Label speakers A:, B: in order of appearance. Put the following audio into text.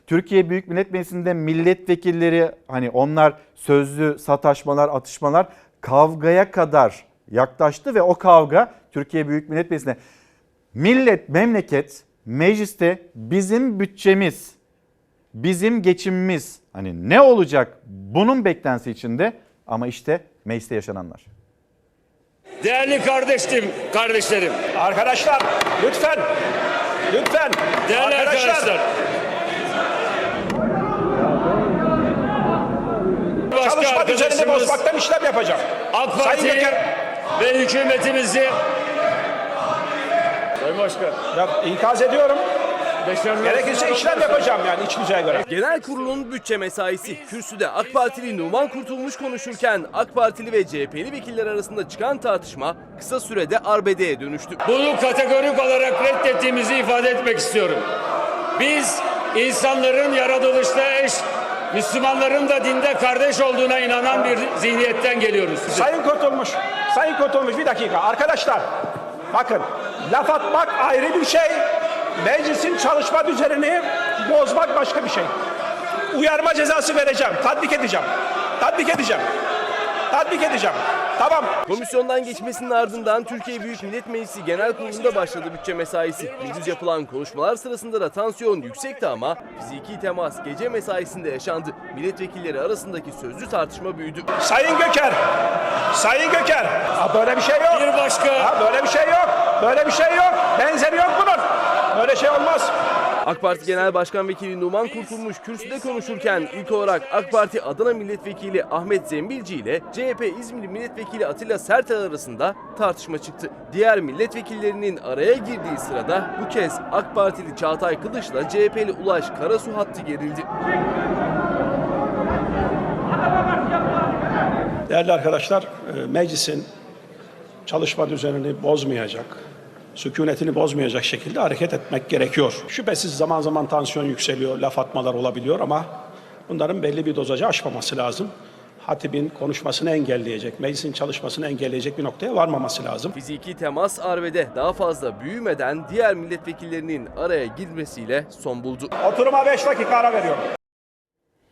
A: Türkiye Büyük Millet Meclisi'nde milletvekilleri hani onlar sözlü sataşmalar, atışmalar kavgaya kadar yaklaştı ve o kavga Türkiye Büyük Millet Meclisi'nde memleket mecliste bizim bütçemiz, bizim geçimimiz hani ne olacak bunun beklentisi içinde ama işte mecliste yaşananlar.
B: Değerli kardeşlerim.
C: Arkadaşlar lütfen.
B: Değerli arkadaşlar.
C: Çalışma düzenini bozmaktan işlem yapacağım.
B: AK Parti ve hükümetimizi Sayın Başkan.
C: Ya, ikaz ediyorum. Gerekirse işlem yapacağım yani iç düzeye göre.
D: Genel kurulun bütçe mesaisi. Kürsüde AK Partili Numan Kurtulmuş konuşurken AK Partili ve CHP'li vekiller arasında çıkan tartışma kısa sürede arbedeye dönüştü.
B: Bunu kategorik olarak reddettiğimizi ifade etmek istiyorum. Biz insanların yaratılışta eş, Müslümanların da dinde kardeş olduğuna inanan bir zihniyetten geliyoruz.
C: Sayın Kurtulmuş bir dakika. Arkadaşlar bakın laf atmak ayrı bir şey. Meclisin çalışma düzenini bozmak başka bir şey. Uyarma cezası vereceğim. Tatbik edeceğim. Tamam.
D: Komisyondan geçmesinin ardından Türkiye Büyük Millet Meclisi Genel Kurulu'nda başladı bütçe mesaisi. Gündüz yapılan konuşmalar sırasında da tansiyon yüksekti ama fiziki temas gece mesaisinde yaşandı. Milletvekilleri arasındaki sözlü tartışma büyüdü.
C: Sayın Göker. Böyle bir şey yok.
B: Bir başka.
C: Böyle bir şey yok. Benzeri yok bunun. Böyle şey olmaz.
D: AK Parti Genel Başkan Vekili Numan Kurtulmuş kürsüde konuşurken ilk olarak AK Parti Adana Milletvekili Ahmet Zembilci ile CHP İzmir Milletvekili Atilla Sertel arasında tartışma çıktı. Diğer milletvekillerinin araya girdiği sırada bu kez AK Partili Çağatay Kılıç'la CHP'li Ulaş Karasu hattı gerildi.
C: Değerli arkadaşlar, meclisin çalışma düzenini bozmayacak, sükunetini bozmayacak şekilde hareket etmek gerekiyor. Şüphesiz zaman zaman tansiyon yükseliyor, laf atmalar olabiliyor ama bunların belli bir dozajı aşmaması lazım. Hatibin konuşmasını engelleyecek, meclisin çalışmasını engelleyecek bir noktaya varmaması lazım.
D: Fiziki temas arbede daha fazla büyümeden diğer milletvekillerinin araya girmesiyle son buldu.
C: Oturuma 5 dakika ara veriyorum.